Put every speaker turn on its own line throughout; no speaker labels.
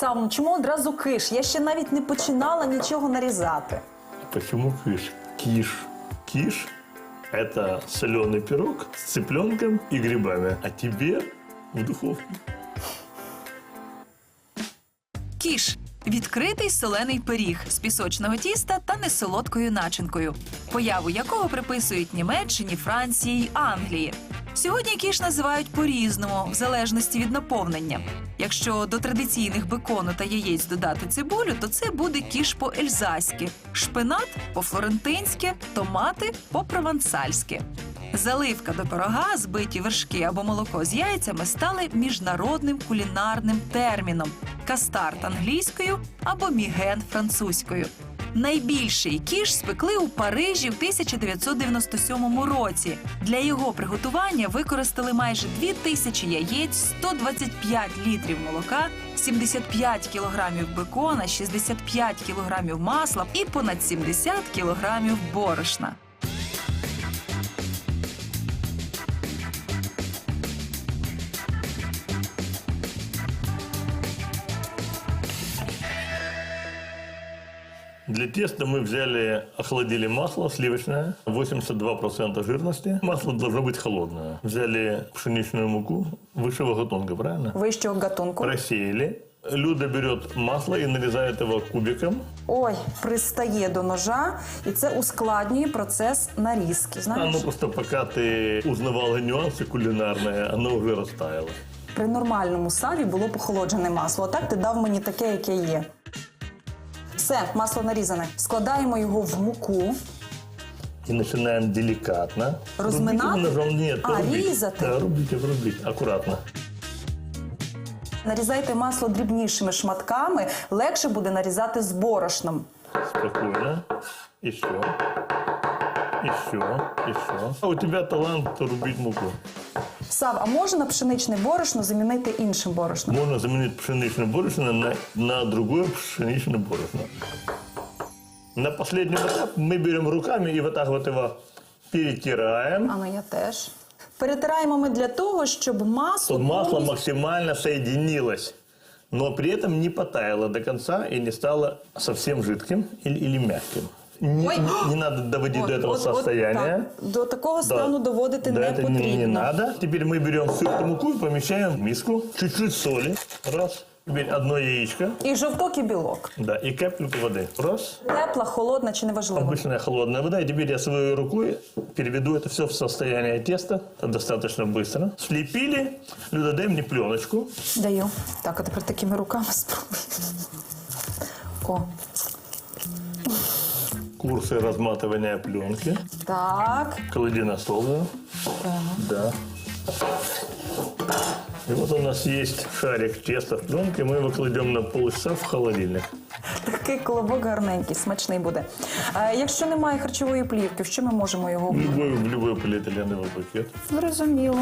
Сав, ну чому одразу киш? Я ще навіть не починала нічого нарізати.
Почему киш? Киш. Киш – это соленый пирог с цыпленком и грибами. А тебе в духовку.
Кіш – відкритий солений пиріг з пісочного тіста та несолодкою начинкою, появу якого приписують Німеччині, Франції й Англії. Сьогодні кіш називають по-різному, в залежності від наповнення. Якщо до традиційних бекону та яєць додати цибулю, то це буде кіш по-ельзаськи, шпинат – по-флорентинськи, томати – по-провансальськи. Заливка до пирога, збиті вершки або молоко з яйцями стали міжнародним кулінарним терміном – кастард англійською або міген французькою. Найбільший кіш спекли у Парижі в 1997 році. Для його приготування використали майже 2000 яєць, 125 літрів молока, 75 кілограмів бекона, 65 кілограмів масла і понад 70 кілограмів борошна.
Для теста мы взяли, охладили масло сливочное, 82% жирности. Масло должно быть холодное. Взяли пшеничную муку высшего гатунка, правильно?
Вищого гатунку.
Просеяли. Люда берет масло и нарезает его кубиком.
Ой, пристає до ножа, і це ускладнює процес нарізки, знаєш?
Просто пока ты узнавала нюансы кулинарные, оно уже растаяло.
При нормальному саві було похолоджене масло, а так ти дав мені таке, яке є. Все, масло нарізане. Складаємо його в муку.
И начинаем деликатно.
Разминать?
Рубите ножом, нет, рубить.
резать?
Да, рубить, аккуратно.
Нарізайте масло дрібнішими шматками, легше буде нарізати з борошном.
Спокойно. Еще. Еще. А у тебя талант рубить муку.
Сав, а можна пшеничне борошно замінити іншим борошном?
Можно заменить пшеничное борошно на другое пшеничное борошно. На последний этап мы берем руками и вот так вот его перетираем.
А ну я теж. Перетираємо ми для того, щоб масло...
Чтобы масло
повністю-
максимально соединилось, но при этом не потаяло до конца и не стало совсем жидким или мягким. Не надо доводить до этого состояния.
так. До такого стану доводити
Да,
не
это
потрібно.
не надо. Теперь мы берем всю эту муку и помещаем в миску. Чуть-чуть соли. Раз. Теперь одно яичко.
І жовток, і білок.
Да, и капельку воды. Раз.
Тепла, холодна чи неважливо?
Обычная холодная вода. И теперь я своей рукой переведу это все в состояние теста. Это достаточно быстро. Слепили. Люда, дай мне пленочку.
Даю. Так, а тепер такими руками спробуй. О,
Курсы разматывания пленки.
так.
Клади на стол. Да. И вот у нас есть шарик теста в пленке. Мы его кладем на полчаса в холодильник.
Такий колобок гарненький, смачний буде. Якщо немає харчової плівки, в що ми можемо його...
В любой полиэтиленовый пакет.
Зрозуміло.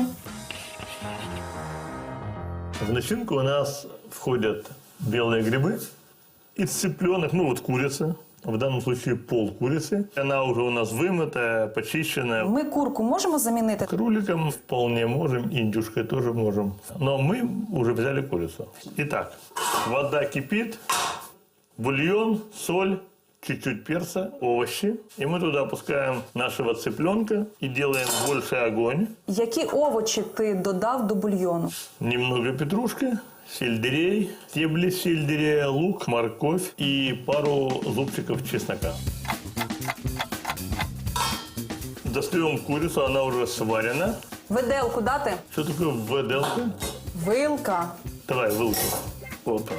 В начинку у нас входят белые грибы из цыпленок, ну вот курица. В данном случае пол курицы. Она уже у нас вымытая, почищенная.
Ми курку можемо замінити?
Кроликом вполне можем, индюшкой тоже можем. Но мы уже взяли курицу. Итак, вода кипит, бульон, соль, чуть-чуть перца, овощи. И мы туда опускаем нашего цыпленка и делаем больше огонь.
Які овочі ти додав до бульйону?
Немного петрушки, сельдерей, стебли сельдерея, лук, морковь и пару зубчиков чеснока. Достаем курицу, она уже сварена.
Виделку дати?
Что такое выделка?
Вилка.
Давай, вилку. Опа.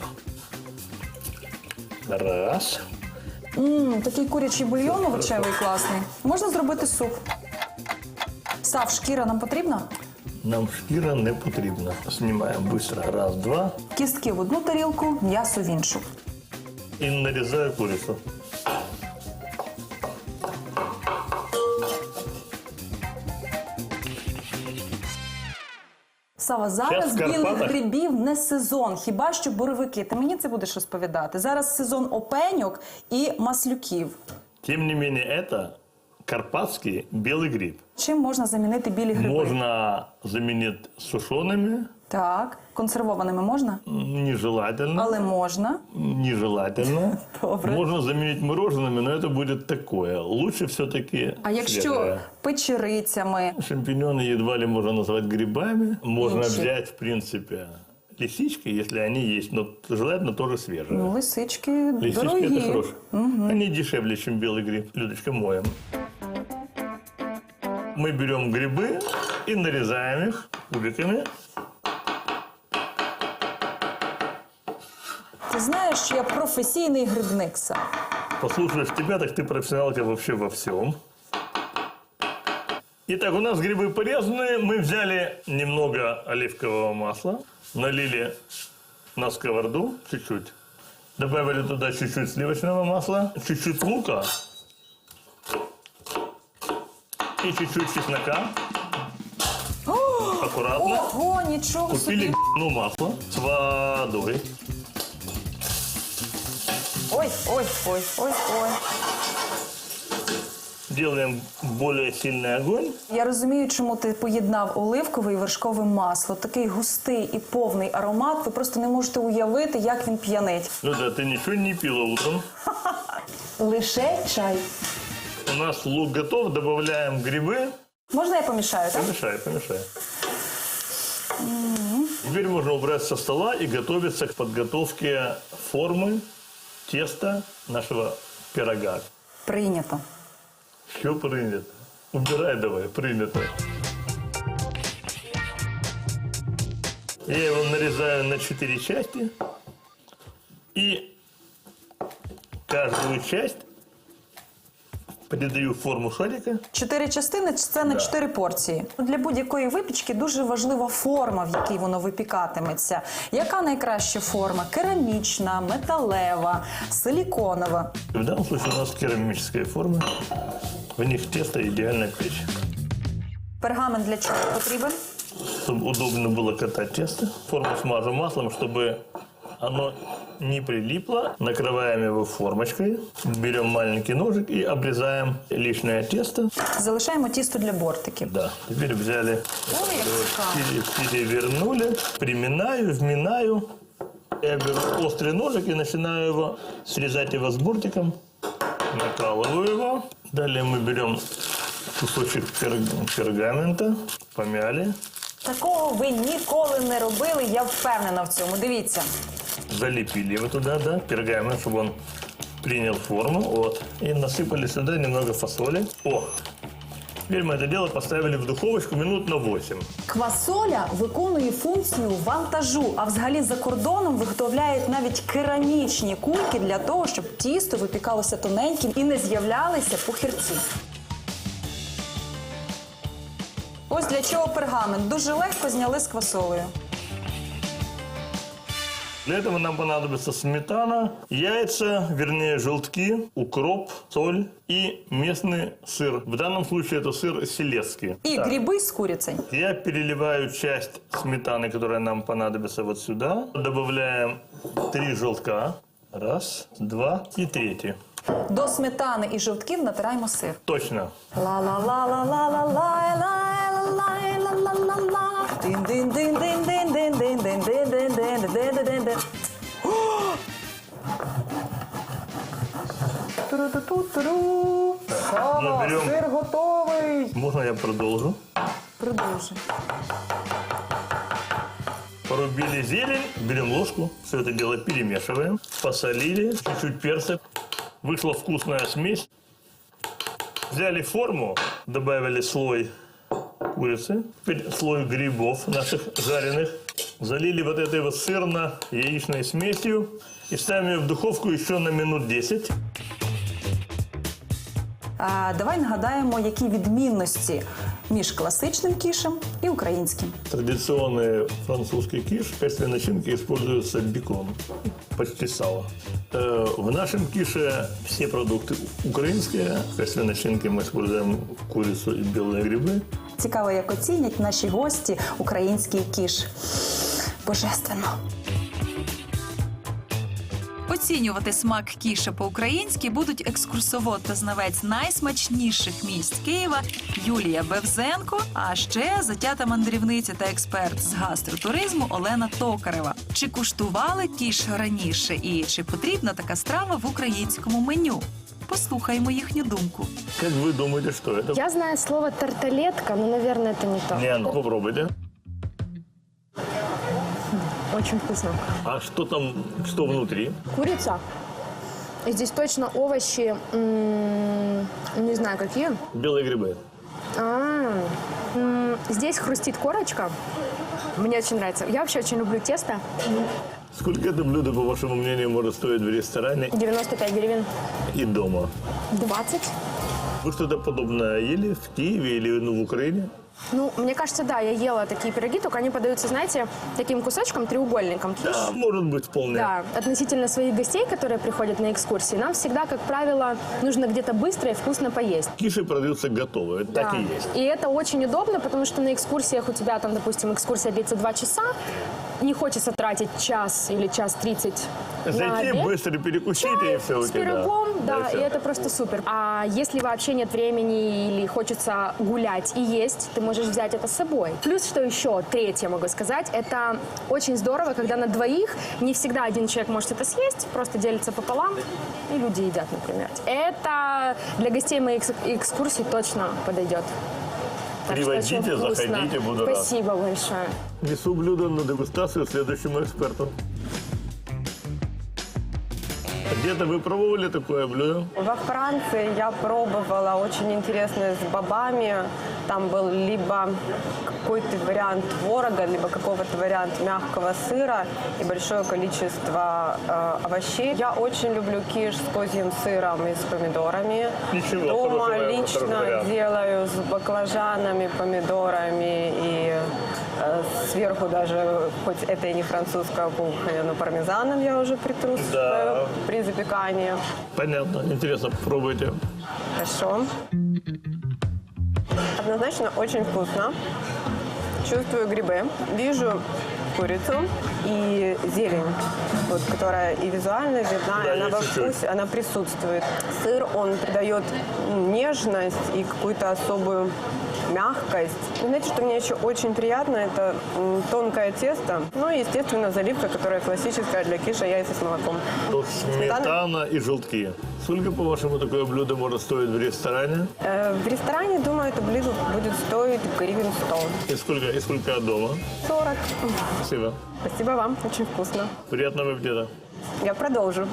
Раз.
Такий курячий бульйон овочевий класний. Можна зробити суп. Сав, шкіра нам потрібна?
Нам шкіра не потрібна. Знімаємо швидко. Раз, два.
Кістки в одну тарілку, м'ясо в іншу.
І нарізаю курицю.
Сава, зараз
Щас в
білих
Карпатах.
грибів не сезон, хіба що боровики. Ти мені це будеш розповідати. Зараз сезон опеньок і маслюків.
Тим не менее, це карпатський білий гриб.
Чим можна замінити білі гриби?
Можно заменить сушеными,
Так. Консервованими можна?
Нежелательно.
Але можна.
Нежелательно.
Добре.
Можно заменить мороженными, но это будет такое. Лучше все-таки
А якщо печерицями?
Шампиньоны едва ли можно назвать грибами. Можно
Інші.
взять, в принципе, лисички, если они есть, но желательно тоже свежие.
Ну, лисички
Лисички
дорогі.
это хорошо. Они дешевле, чем белый гриб. Людочка, моем. Мы берем грибы и нарезаем их кубиками.
Ти знаєш, що я професійний грибник сам.
Послушаешь тебя, так ты профессионалка вообще во всем. Итак, у нас грибы порезаны. Мы взяли немного оливкового масла, налили на сковороду чуть-чуть. Добавили туда чуть-чуть сливочного масла, чуть-чуть лука и чуть-чуть чеснока. Аккуратно.
Ого, нічого
Купили
собі.
масло с водой.
Ой, ой, ой, ой, ой.
Делаем более сильный огонь.
Я розумію, чому ти поєднав оливкове і вершкове масло. Такий густий і повний аромат. Ви просто не можете уявити, як він п'янить.
Ну да, ты ничего не пила утром.
Лише чай.
У нас лук готов, добавляем грибы.
Можна я помішаю, так?
Помешай, помешай. Теперь можно убрать со стола и готовиться к подготовке формы теста нашего пирога.
Прийнято.
Все принято. Убирай давай, принято. Я его нарезаю на 4 части. И каждую часть придаю форму шарика.
4 частини – це на 4 порції. Для будь-якої випічки дуже важлива форма, в якій воно випікатиметься. Яка найкраща форма? Керамічна, металева, силіконова.
В данном случае у нас керамическая форма. В них тесто идеально печь.
Пергамент для чого потрібен?
Чтобы удобно было катать тесто. Форму смажу маслом, чтобы оно не прилипло. Накрываем его формочкой. Берем маленький ножик и обрезаем лишнее тесто.
Залишаємо тісто для бортиків.
Да. Теперь взяли,
Ой, як цікаво.
перевернули, приминаю, вминаю. Я беру острый ножик и начинаю его срезать его с бортиком. Накалываю его. Далее мы берем кусочек пергамента, помяли.
Такого ви ніколи не робили, я впевнена в цьому. Дивіться.
Залепили его туда, да, пергамент, чтобы он принял форму. Вот. И насыпали сюда немного фасоли. О! Теперь мы это дело поставили в духовочку минут на 8.
Квасоля виконує функцію вантажу, а взагалі за кордоном виготовляють навіть керамічні кульки для того, щоб тісто випікалося тоненьким і не з'являлися пухирці. Ось для чого пергамент. Дуже легко зняли з квасолею.
Для этого нам понадобится сметана, яйца, вернее желтки, укроп, соль и местный сыр. В данном случае это сыр селецкий.
І
Так,
гриби з курицею.
я переливаю часть сметаны, которая нам понадобится вот сюда. Добавляем 3 желтка. Раз, два и третий.
До сметани і жовтків натираємо сир.
Точно.
Ла-ла-ла-ла-ла-ла-ла-ла-ла-ла-ла-ла-ла. Дин-дин-дин-дин-дин-дин-дин-дин-дин-дин-дин-дин-дин. Туру-ту-ту-туру. Сава,
Наберем.
сир готовий.
Можно я продолжу?
Продовжуй.
Порубили зелень, берем ложку, все это дело перемешиваем. Посолили, чуть-чуть перца. Вышла вкусная смесь. Взяли форму, добавили слой курицы, теперь слой грибов наших жареных. Залили вот этой вот сырно-яичной смесью и ставим ее в духовку еще на минут 10.
Давай нагадаємо, які відмінності між класичним кішем і українським.
Традиционный французский киш, в качестве начинки используется бекон, почти сало. В нашем кише все продукты украинские. В качестве начинки мы используем курицу и белые грибы.
Цікаво, як оцінять наші гості український кіш. Божественно.
Оцінювати смак кіші по-українськи будуть екскурсовод та знавець найсмачніших місць Києва Юлія Бевзенко, а ще затята мандрівниця та експерт з гастротуризму Олена Токарева. Чи куштували кіш раніше і чи потрібна така страва в українському меню? Послухаймо їхню думку.
Как вы думаете, что это?
Я знаю слово тарталетка, но, наверное, это не то.
Не, ну попробуйте.
Очень вкусно.
А что там, что внутри?
Курица. И здесь точно овощи, не знаю какие.
Белые грибы.
Здесь хрустит корочка. Мне очень нравится. Я вообще очень люблю тесто.
Сколько это блюдо, по вашему мнению, может стоить в ресторане
95 гривен.
и дома?
20.
Вы что-то подобное ели в Киеве или в Украине?
Ну, мне кажется, да, я ела такие пироги, только они подаются, знаете, таким кусочком, треугольником.
Да, может быть, вполне.
Да, относительно своих гостей, которые приходят на экскурсии, нам всегда, как правило, нужно где-то быстро и вкусно поесть.
Киши продаются готовые, это так
Да.
и есть.
И это очень удобно, потому что на экскурсиях у тебя там, допустим, экскурсия длится 2 часа, не хочется тратить час или час 30 на
Зайти,
обед.
быстро перекусить и все у
С
тебя.
пирогом, да,
всё.
и это просто супер. А если вообще нет времени или хочется гулять и есть, ты можешь взять это с собой. Плюс, что еще, третье могу сказать, это очень здорово, когда на двоих не всегда один человек может это съесть, просто делится пополам, и люди едят, например. Это для гостей моих экскурсий точно подойдет. Так что
Привозите,
очень вкусно.
заходите, буду рад.
Спасибо большое.
Несу блюдо на дегустацию следующему эксперту. Где-то вы пробовали такое блюдо?
Во Франции я пробовала очень интересное с бобами. Там был либо какой-то вариант творога, либо какого-то вариант мягкого сыра и большое количество овощей. Я очень люблю киш с козьим сыром и с помидорами.
Ничего,
Дома
хороший
лично
вариант.
делаю с баклажанами, помидорами и сверху даже, хоть это и не французская кухня, но пармезаном я уже притру
Да.
при запекании.
Понятно, интересно, пробуйте.
Хорошо. Однозначно очень вкусно. Чувствую грибы. Вижу курицу и зелень, вот, которая и визуально видна,
Да,
и она
есть
во
чуть-чуть.
вкусе, она присутствует. Сыр, он придает нежность и какую-то особую мягкость. И знаете, что мне еще очень приятно, это тонкое тесто. Ну и, естественно, заливка, которая классическая для киша, яйца с молоком.
Тут сметана и желтки. Сколько, по-вашему, такое блюдо может стоить в ресторане?
В ресторане, думаю, это блюдо будет стоить гривен 100.
И сколько дома?
40.
Спасибо.
Спасибо вам, очень вкусно.
Приятного аппетита.
Я продолжу.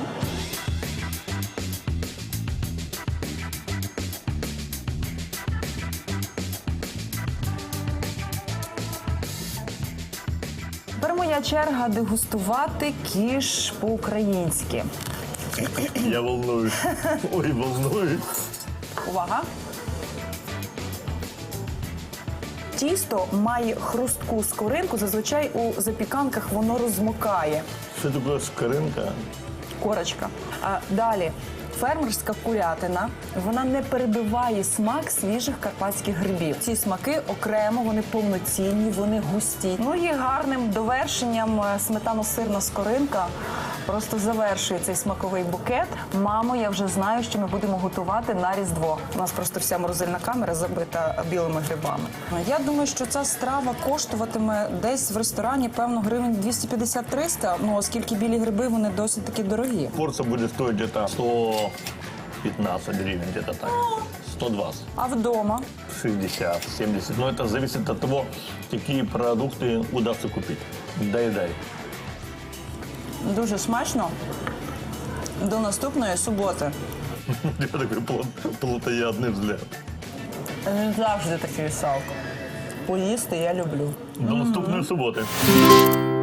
Тепер моя черга дегустувати кіш по-українськи.
Я волнуюсь. Ой, волнуюсь.
Увага! Тісто має хрустку скоринку, зазвичай у запіканках воно розмокає.
Что такое скоринка?
Корочка. А далі. Фермерська курятина, вона не перебиває смак свіжих карпатських грибів. Ці смаки окремо, вони повноцінні, вони густі. Ну і гарним довершенням сметано-сирна скоринка просто завершує цей смаковий букет. Мамо, я вже знаю, що ми будемо готувати на Різдво. У нас просто вся морозильна камера забита білими грибами. Я думаю, що ця страва коштуватиме десь в ресторані, певно, гривень 250-300, ну, оскільки білі гриби, вони досить таки дорогі.
Порция будет стоить где-то 115 гривен, где-то так. 120.
А вдома?
60, 70. Но это зависит от того, какие продукты удастся купить. Дай-дай.
Дуже смачно. До наступної суботи.
У тебя такой плотоядный взгляд.
Не завжди такий салко. Поїсти я люблю.
До наступної суботи.